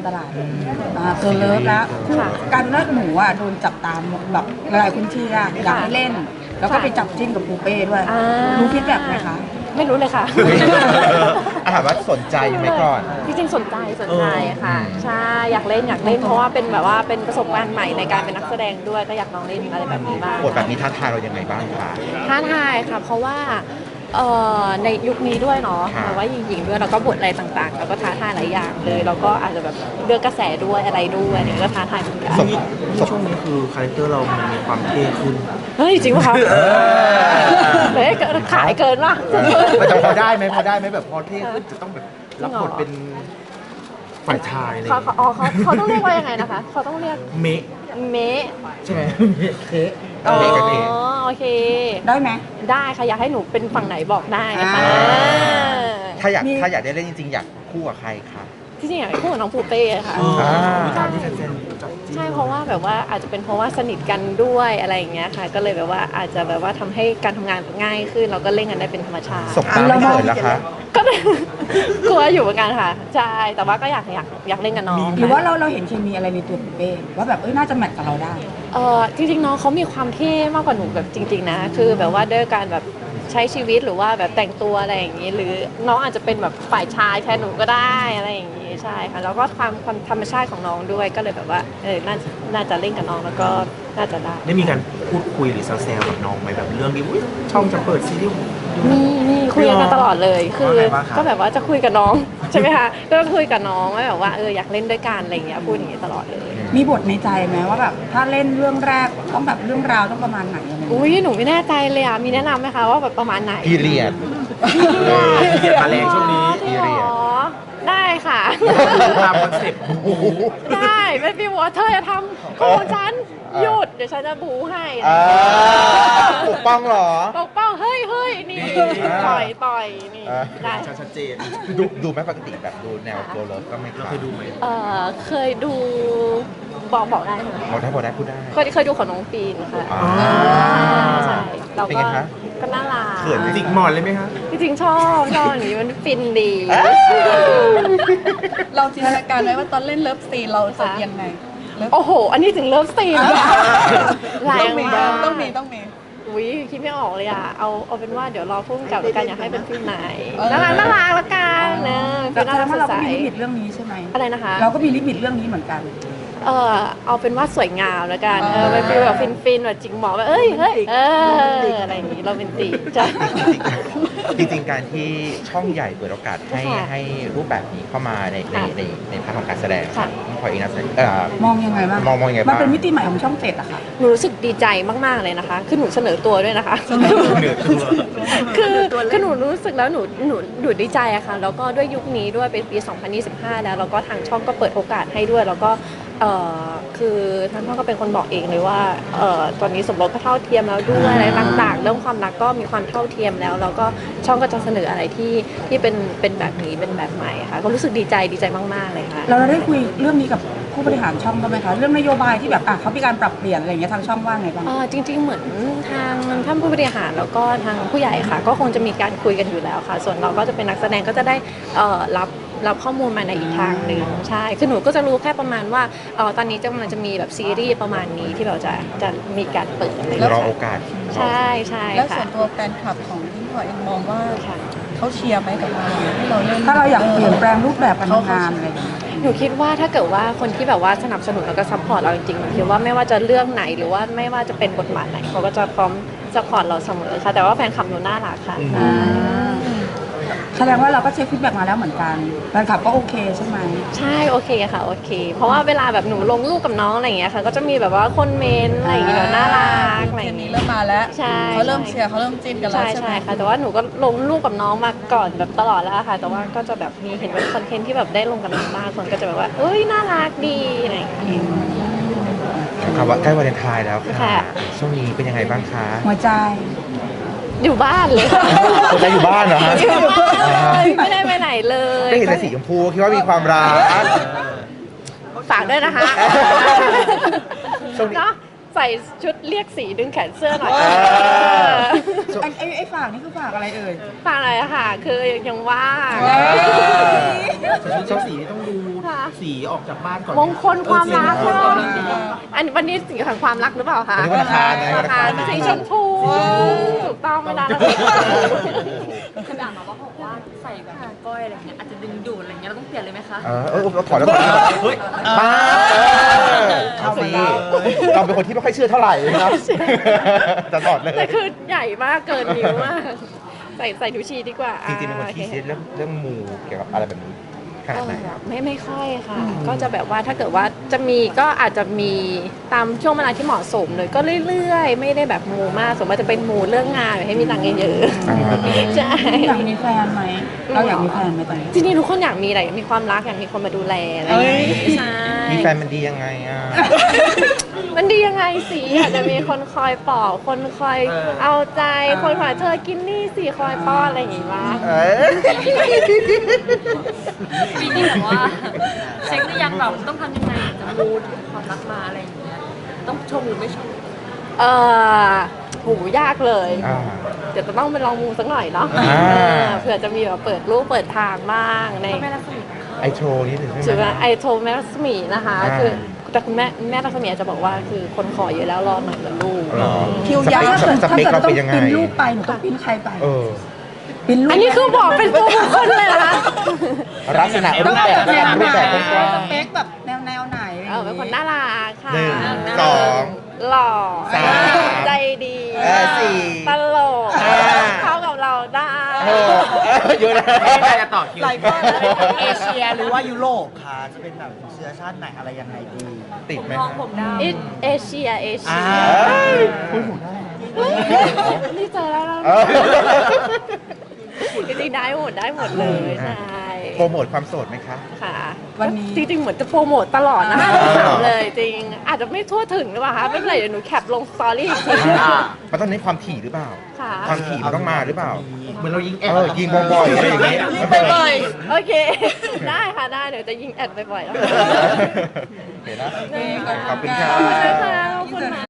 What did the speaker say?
ตลาดเกิร์ลเลิฟแล้วการเลิกหนูอ่ะโดนจับตามแบบหลายๆพื้นที่อะอยากให้เล่น แล้วก็ไปจับจิ้นกับปูเป้ด้วยรู้ฟีดแบ็กไหมคะไม่รู้เลยค่ะถามว่าสนใจไหมก่อนจริงๆสนใจค่ะใช่อยากเล่นเพราะว่าเป็นแบบว่าเป็นประสบการณ์ใหม่ในการเป็นนักแสดงด้วยก็อยากลองเล่นอะไรแบบนี้บ้างบทแบบนี้ท้าทายเรายังไงบ้างคะท้าทายค่ะเพราะว่าในยุคนี้ด้วยเนาะแต่ว่าหญิงๆด้วยแล้วก็บทอะไรต่างๆแล้วก็ท้าทายหลายอย่างเลยแล้วก็อาจจะแบบเรื่องกระแสด้วยอะไรด้วยนี่ก็ท้าทายเหมือนกันช่วงนี้คือคาแรคเตอร์เรามันมีความเท่ขึ้นเฮ้ยจริงป่ะคะเฮ้ยขายเกินว่ะมันจะพอได้ไหมแบบพอเท่ขึ้นจะต้องแบบรับบทเป็นฝ่ายชายเลยเขาต้องเรียกว่ายังไงนะคะเขาต้องเรียกเมะใช่ไหมเคโอเคได้ไหมได้ค่ะอยากให้หนูเป็นฝั่งไหนบอกได้นะคะถ้าอยากได้เล่นจริงๆอยากคู่กับใครคะที่จริงอยากให้คู่กับน้องปูเป้ค่ะใช่เพราะว่าแบบว่าอาจจะเป็นเพราะว่าสนิทกันด้วยอะไรอย่างเงี้ยค่ะก็เลยแบบว่าอาจจะแบบว่าทำให้การทำงานง่ายขึ้นเราก็เล่นกันได้เป็นธรรมชาติสบตาไม่เขินแล้วคะก็กลัวอยู่เหมือนกันค่ะใช่แต่ว่าก็อยากเล่นกับน้องหรือว่าเราเห็นเคมีอะไรในตัวปูเป้ว่าแบบน่าจะแมทกับเราได้จริงๆน้องเขามีความเท่มากกว่าหนูแบบจริงๆนะคือแบบว่าด้วยการแบบใช้ชีวิตหรือว่าแบบแต่งตัวอะไรอย่างนี้หรือน้องอาจจะเป็นแบบฝ่ายชายแทนหนูก็ได้อะไรอย่างนี้ใช่ค่ะแล้วก็ความธรรมชาติของน้องด้วยก็เลยแบบว่าน่าจะเล่นกับน้องแล้วก็น่าจะได้มีการพูดคุยหรือแซวกับน้องไหมแบบเรื่องนี้ช่องจะเปิดซีรีส์มีคุยกันตลอดเลยคือก็แบบว่าจะคุยกับน้องใช่ไหมคะก็คุยกับน้องว่าแบบว่าอยากเล่นด้วยกันอะไรอย่างเงี้ยพูดอย่างนี้ตลอดเลยมีบทในใจไหมว่าแบบถ้าเล่นเรื่องแรกต้องแบบเรื่องราวต้องประมาณไหนอะไรอุ้ยหนูไม่แน่ใจเลยอ่ะมีแนะนำไหมคะว่าแบบประมาณไหนพีเรียดมาแรงช่วงนี้พีเรียดได้ค่ะตามคอนเซ็ปต์ได้ไม่พี่บอกว่าเธอจะทำของฉันหยุดเดี๋ยวฉันจะบูให้ปกป้องหรอปกป้องเฮ้ยนี่ต่อยนี่ได้ชัดเจนดูไหมปกติแบบดูแนวตัวเลิฟก็ไม่เคยดูไหมเคยดูบอกได้ไหมบอกได้พูดได้เคยดูของน้องปีนค่ะใช่เราก็น่ารักเขินจิกหมอนเลยไหมคะจริงๆชอบอย่างนี้มันฟินดีเราจินตนาการไว้ว่าตอนเล่นเลิฟซีนเราจะยังไงโอ้โหอันนี้ถึงเลิฟซีนแรงมากต้องมีอุ้ยคิดไม่ออกเลยอ่ะเอาเป็นว่าเดี๋ยวรอพุ่งกับกันอยากให้เป็นฟิลไหนน่ารักละกันนะคือน่ารักสดใสเราก็มีลิมิตเรื่องนี้ใช่ไหมอะไรนะคะเราก็มีลิมิตเรื่องนี้เหมือนกันเอาเป็นว่าสวยงามแล้วกันเป็นฟีลแบบฟินแบบจิกหมอแบบอะไรอย่างนี้เราเป็นตีจ้ะจริงๆการที่ช่องใหญ่เปิดโอกาสให้รูปแบบนี้เข้ามาในพาร์ทของการแสดงพออีกนะมองยังไงบ้างมันเป็นมิติใหม่ของช่อง7อะค่ะหนูรู้สึกดีใจมากๆเลยนะคะคือหนูเสนอตัวด้วยนะคะคือหนูรู้สึกแล้วหนูดีใจอะค่ะแล้วก็ด้วยยุคนี้ด้วยเป็นปี2025แล้วก็ทางช่องก็เปิดโอกาสให้ด้วยแล้วก็คือท่านพ่อก็เป็นคนบอกเองเลยว่าตอนนี้สมรสก็เท่าเทียมแล้วด้วยอะไรต่างๆเรื่องความรักก็มีความเท่าเทียมแล้วก็ช่องก็จะเสนออะไรที่เป็นแบบนี้เป็นแบบใหม่ค่ะก็รู้สึกดีใจมากๆเลยค่ะเราได้คุยเรื่องนี้กับผู้บริหารช่องกันไหมคะเรื่องนโยบายที่แบบเขามีการปรับเปลี่ยนอะไรอย่างเงี้ยทางช่องว่าไงบ้างจริงๆเหมือนทางท่านผู้บริหารแล้วก็ทางผู้ใหญ่ค่ะก็คงจะมีการคุยกันอยู่แล้วค่ะส่วนเราก็จะเป็นนักแสดงก็จะได้รับข้อมูลมาในอีกทางหนึ่งใช่คือหนูก็จะรู้แค่ประมาณว่าตอนนี้มันจะมีแบบซีรีส์ประมาณนี้ที่เราจะมีการเปิดแล้วรอโอกาสใช่แล้วส่วนตัวแฟนคลับของพี่พลอยเองมองว่าเขาเชียร์ไหมกับเราให้เราเล่นถ้าเราอยากเปลี่ยนแปลงรูปแบบการทำงานอะไรอย่างเงี้ยหนูคิดว่าถ้าเกิดว่าคนที่แบบว่าสนับสนุนแล้วก็ซัพพอร์ตเราจริงๆหนูคิดว่าไม่ว่าจะเรื่องไหนหรือว่าไม่ว่าจะเป็นบทบาทไหนเขาก็จะพร้อมซัพพอร์ตเราเสมอค่ะแต่ว่าแฟนคลับหนูน่ารักค่ะแสดงว่าเราก็เช็คฟีดแบ็กมาแล้วเหมือนกันแฟนคลับก็โอเคใช่ไหมใช่โอเคค่ะโอเคเพราะว่าเวลาแบบหนูลงรูปกับน้องอะไรอย่างเงี้ยค่ะก็จะมีแบบว่าคนเมนอะไรอย่างเงี้ยน่ารักอะไรอย่างเงี้ยเริ่มมาแล้วใช่เขาเริ่มเชียร์เขาเริ่มจิ้นกันแล้วใช่ค่ะแต่ว่าหนูก็ลงรูปกับน้องมาก่อนแบบตลอดแล้วค่ะแต่ว่าก็จะแบบมีเห็นเป็นคอนเทนต์ที่แบบได้ลงกับน้องบ้างคนก็จะแบบว่าเอ้ยน่ารักดีอะไรอย่างเงี้ยคำว่าใกล้วาเลนไทน์แล้วค่ะช่วงนี้เป็นยังไงบ้างคะหัวใจอยู่บ้านเลยคนจะอยู่บ้านเหรอฮะอยู่บ้านเลยไม่ได้ไปไหนเลยไม่เห็นแต่สีชมพูคิดว่ามีความรักฝากด้วยนะคะเนาะใส่ชุดเรียกสีดึงแขนเสื้อหน่อยไอ้ฝากนี่คือฝากอะไรเอ่ยฝากอะไรอะค่ะคือยังว่าชุดสีต้องดูสีสีออกจากบ้านก่อนมงคลความรักเอใช่อไหมสีอันวันนี้สีของความรักหรือเปล่าคะวันนี้วันอังคารไงวันอังคารสีชมพูถูกต้องไม่นานแล้วขนาดมาว่าบอกว่าใส่แบบก้อยอะไรเงี้ยอาจจะดึงดูดอะไรเงี้ยเราต้องเปลี่ยนเลยไหมคะถอดแล้วก่อนเฮ้ยป้าเอาสิเราเป็นคนที่ไม่ค่อยเชื่อเท่าไหร่นะครับจะถอดเลยแต่คือใหญ่มากเกินนิ้วมาก ใส่นิ้วชี้ดีกว่าจริงๆเป็นคนที่คิดเรื่องมูเกี่ยวกับอะไรแบบนี้ขนาดไหนครับไม่ค่อยค่ะ ก็จะแบบว่าถ้าเกิดว่าจะมีก็อาจจะมีตามช่วงเวลาที่เหมาะสมเลยก็เรื่อยๆ ไม่ได้แบบมูมากสมมติจะเป็นมูเรื่องงานให้มีตังค์เยอะๆใช่อยากมีแฟนไหมเราอยากมีแฟนไหมตอนนี้จริงๆทุกคนอยากมีอะไรอยากมีความรักอยากมีคนมาดูแลอะไรอย่างเงี้ยใช่มีแฟนมันดียังไงอ่ะมันดียังไงสิอาจจะมีคนคอยปลอบคนคอยเอาใจคนคอยเธอกินนี่สิคอยป้อนอะไรอย่างงี้บ้างปีนี้แบบว่าเช็คหรือยังแบบต้องทำยังไงถึงจะมูดความรักมาอะไรอย่างเงี้ยต้องชมหรือไม่ชมหูยากเลยอ่าเดี๋ยวจะต้องไปลองมูสักหน่อยเนาะอ่าเผื่อจะมีแบบเปิดรูปเปิดทางบ้างในพ่อแม่รักสมิทไอโชว์นี่ถึงถืใช่อไหมว่าไอโทรแม่รัศมีนะคะอ่าคือแต่คุณแม่รัศมีอาจจะบอกว่าคือคนขอเยอะแล้วรอหน่อยเหมือนลูกหรอคิวยาวถ้าเกิดสถ้าเปคเกิดเราต้อเป็งนยังไงปิ้นรูปไปหนูต้องปิ้นใครไปเออปิ้นรูปอันนี้คือบอกเป็นตัวบุคคลเลยเหรอคะลักษณะรูปแบบรูปแบบกว้างสเปคแบบแนวไหนเป็นคนน่ารักค่ะหนึ่งสองหล่อสามใจดีสี่ตลกห้าเข้ากับเราได้หกเยอะนะไม่ใครจะต่อคิวหลายคนเอเชียหรือว่ายุโรปค่ะจะเป็นแบบเชื้อชาติไหนอะไรยังไงดีติดไหมมองผมดำเอเชียอ่านี่เจอแล้วเออจริงๆได้หมดเลยใช่โปรโมทความโสดไหมคะค่ะวันนี้จริงๆเหมือนจะโปรโมทตลอดนะคะอ่าถามเลยจริง อาจจะไม่ทั่วถึงหรือเปล่าคะไม่เป็นไรเดี๋ยวหนูแคปลงสตอรี่อีกทีมันต้องเน้นความถี่หรือเปล่าค่ะความถี่มันต้องมาหรือเปล่าเหมือนเรายิงแอดยิงบ่อยๆอะไรอย่างเงี้ยโอเค ได้ค่ะได้เดี๋ยวจะยิงแอดบ่อยๆแล้วเห็นนะได้ค่ะขอบคุณครัขอบคุณบค่ะขอบคุณนะ